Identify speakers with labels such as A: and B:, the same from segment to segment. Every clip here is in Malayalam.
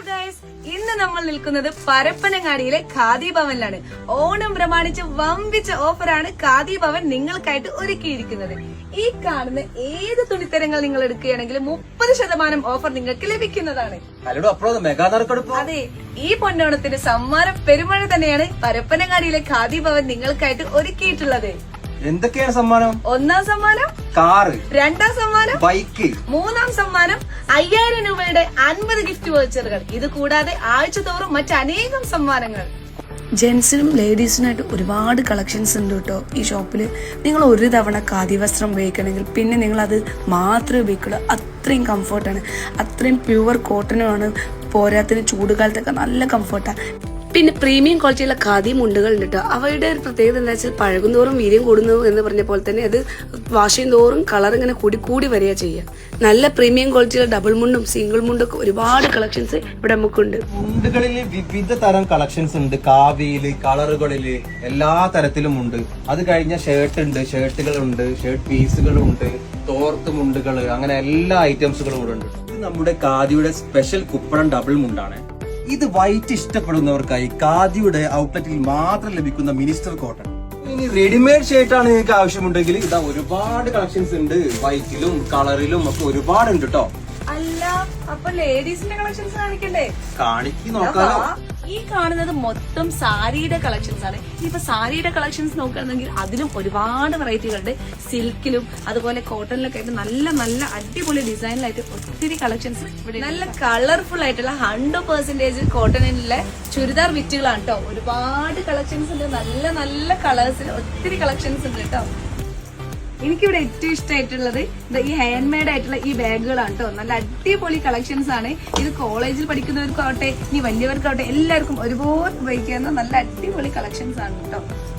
A: ഗൈസ്, ഇന്ന് നമ്മൾ നിൽക്കുന്നത് പരപ്പനങ്ങാടിയിലെ ഖാദി ഭവനിലാണ്. ഓണം പ്രമാണിച്ച് വമ്പിച്ച ഓഫറാണ് ഖാദി ഭവൻ നിങ്ങൾക്കായിട്ട് ഒരുക്കിയിരിക്കുന്നത്. ഈ കാണുന്ന ഏത് തുണിത്തരങ്ങൾ നിങ്ങൾ എടുക്കുകയാണെങ്കിലും 30% ഓഫർ നിങ്ങൾക്ക് ലഭിക്കുന്നതാണ്. അതെ, ഈ പൊന്നോണത്തിന് സമ്മാനം പെരുമഴ തന്നെയാണ് പരപ്പനങ്ങാടിയിലെ ഖാദി ഭവൻ നിങ്ങൾക്കായിട്ട് ഒരുക്കിയിട്ടുള്ളത്.
B: എന്തൊക്കെയാണ് സമ്മാനം?
A: ഒന്നാം സമ്മാനം
B: കാറ്,
A: രണ്ടാം സമ്മാനം
B: ബൈക്ക്,
A: മൂന്നാം സമ്മാനം 5000 രൂപയുടെ 50 ഗിഫ്റ്റ് വൗച്ചറുകൾ. ഇത് കൂടാതെ ആഴ്ച തോറും മറ്റനേകം സമ്മാനങ്ങൾ.
C: ജെന്റ്സിനും ലേഡീസിനായിട്ട് ഒരുപാട് കളക്ഷൻസ് ഉണ്ട് കേട്ടോ ഈ ഷോപ്പിൽ. നിങ്ങൾ ഒരു തവണ ഖാദി വസ്ത്രം ഉപയോഗിക്കണമെങ്കിൽ പിന്നെ നിങ്ങൾ അത് മാത്രമേ ഉപയോഗിക്കുള്ളൂ. അത്രയും കംഫർട്ടാണ്, അത്രയും പ്യുവർ കോട്ടനുമാണ്. പോരാത്തിന് ചൂടുകാലത്തൊക്കെ നല്ല കംഫർട്ടാണ്. പിന്നെ പ്രീമിയം ക്വാളിറ്റിയുള്ള ഖാദി മുണ്ടുകൾ ഉണ്ട് കേട്ടോ. അവയുടെ ഒരു പ്രത്യേകത എന്താ വെച്ചാൽ പഴകും തോറും വീര്യം കൂടുന്നു എന്ന് പറഞ്ഞ പോലെ തന്നെ അത് വാഷ് ചെയ്യും തോറും കളർ ഇങ്ങനെ കൂടി വരിക ചെയ്യുക. നല്ല പ്രീമിയം ക്വാളിറ്റിയുള്ള ഡബിൾ മുണ്ടും സിംഗിൾ മുണ്ടും ഒക്കെ ഒരുപാട് കളക്ഷൻസ് ഇവിടെ നമുക്കുണ്ട്.
B: മുണ്ടുകളിൽ വിവിധ തരം കളക്ഷൻസ് ഉണ്ട്. കാവിയില്, കളറുകളില്, എല്ലാ തരത്തിലും ഉണ്ട്. അത് കഴിഞ്ഞ ഷർട്ട് ഉണ്ട്, ഷർട്ടുകളുണ്ട്, ഷർട്ട് പീസുകളുണ്ട്, തോർത്ത് മുണ്ടുകള്, അങ്ങനെ എല്ലാ ഐറ്റംസുകളും ഇവിടെ ഉണ്ട്. ഇത് നമ്മുടെ ഖാദിയുടെ സ്പെഷ്യൽ കുപ്പടം ഡബിൾ മുണ്ടാണ്. ഇത് വൈറ്റ് ഇഷ്ടപ്പെടുന്നവർക്കായി ഖാദിയുടെ ഔട്ട്ലെറ്റിൽ മാത്രം ലഭിക്കുന്ന മിനിസ്റ്റർ കോട്ടൺ. ഇനി റെഡിമെയ്ഡ് ഷർട്ടാണ് നിങ്ങൾക്ക് ആവശ്യമുണ്ടെങ്കിൽ ഇതാ ഒരുപാട് കളക്ഷൻസ് ഉണ്ട്. വൈറ്റിലും കളറിലും ഒക്കെ ഒരുപാട് ഉണ്ട് കേട്ടോ.
A: അല്ല, അപ്പൊ ലേഡീസിന്റെ കളക്ഷൻസ് കാണിക്കണ്ടേ?
B: കാണിക്ക് നോക്കാലോ.
A: ഈ കാണുന്നത് മൊത്തം സാരിയുടെ കളക്ഷൻസ് ആണ്. ഇപ്പൊ സാരിയുടെ കളക്ഷൻസ് നോക്കുകയാണെങ്കിൽ അതിലും ഒരുപാട് വെറൈറ്റികളുണ്ട്. സിൽക്കിലും അതുപോലെ കോട്ടണിലൊക്കെ ആയിട്ട് നല്ല നല്ല അടിപൊളി ഡിസൈനിലായിട്ട് ഒത്തിരി കളക്ഷൻസ് ഇവിടെ. നല്ല കളർഫുൾ ആയിട്ടുള്ള 100% കോട്ടണിലെ ചുരിദാർ വിറ്റുകളാണ് കേട്ടോ. ഒരുപാട് കളക്ഷൻസ് ഉണ്ട്. നല്ല നല്ല കളേഴ്സിൽ ഒത്തിരി കളക്ഷൻസ് ഉണ്ട് കേട്ടോ. എനിക്കിവിടെ ഏറ്റവും ഇഷ്ടമായിട്ടുള്ളത് ഈ ഹാൻഡ് മെയ്ഡ് ആയിട്ടുള്ള ഈ ബാഗുകളാണ് കേട്ടോ. നല്ല അടിപൊളി കളക്ഷൻസ് ആണ്. ഇത് കോളേജിൽ പഠിക്കുന്നവർക്കാവട്ടെ ഇനി വലിയവർക്കാവട്ടെ എല്ലാവർക്കും ഒരുപോലെ ഉപയോഗിക്കാവുന്ന നല്ല അടിപൊളി കളക്ഷൻസ് ആണ് കേട്ടോ.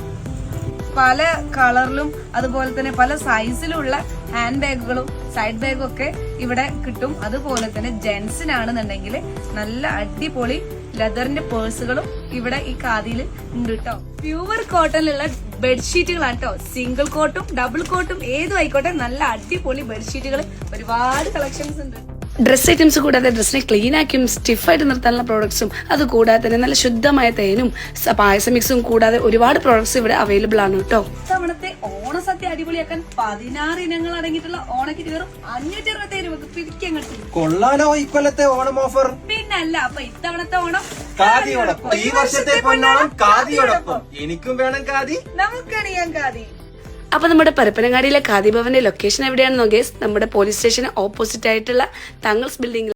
A: പല കളറിലും അതുപോലെ തന്നെ പല സൈസിലുള്ള ഹാൻഡ് ബാഗുകളും സൈഡ് ബാഗും ഒക്കെ ഇവിടെ കിട്ടും. അതുപോലെ തന്നെ ജെന്റ്സിനാണെന്നുണ്ടെങ്കിൽ നല്ല അടിപൊളി ലെതറിന്റെ പേഴ്സുകളും ഇവിടെ ഈ ഖാദിയിൽ ഉണ്ട് കേട്ടോ. പ്യുവർ കോട്ടണിലുള്ള ബെഡ്ഷീറ്റുകളാണ് കേട്ടോ. സിംഗിൾ കോട്ടും ഡബിൾ കോട്ടും ഏതും ആയിക്കോട്ടെ നല്ല അടിപൊളി ബെഡ്ഷീറ്റുകൾ ഒരുപാട് കളക്ഷൻസ് ഉണ്ട്.
C: ഡ്രസ് ഐറ്റംസ് കൂടാതെ ഡ്രസ്സിനെ ക്ലീൻ ആക്കിയും സ്റ്റിഫായിട്ട് നിർത്താനുള്ള പ്രോഡക്ട്സും അത് കൂടാതെ തന്നെ നല്ല ശുദ്ധമായ തേനും പായസ മിക്സും കൂടാതെ ഒരുപാട് പ്രോഡക്ട്സ് ഇവിടെ അവൈലബിൾ ആണ് കേട്ടോ.
A: ഇത്തവണത്തെ ഓണസദ്യ അടിപൊളിയാക്കാൻ 16 ഇനങ്ങൾ അടങ്ങിയിട്ടുള്ള ഓണക്കിറ്റ് വെറും 567 രൂപക്ക് പിടിക്കാൻ കിട്ടും.
B: കൊള്ളാലോ ഇക്കൊല്ലത്തെ ഓണം ഓഫർ.
A: പിന്നല്ല, അപ്പൊ ഇത്തവണത്തെ ഓണം
B: ഖാദിയോടൊപ്പം, ഈ വർഷത്തെ പൊന്നോണം ഖാദിയോടൊപ്പം. എനിക്കും വേണം ഖാദി,
A: നമുക്കണിയാം ഖാദി.
C: അപ്പൊ നമ്മുടെ പരപ്പനങ്ങാടിയിലെ ഖാദി ഭവന്റെ ലൊക്കേഷൻ എവിടെയാണെന്ന് നോക്കിയാൽ നമ്മുടെ പോലീസ് സ്റ്റേഷന് ഓപ്പോസിറ്റ് ആയിട്ടുള്ള തങ്ങൾസ് ബിൽഡിംഗ്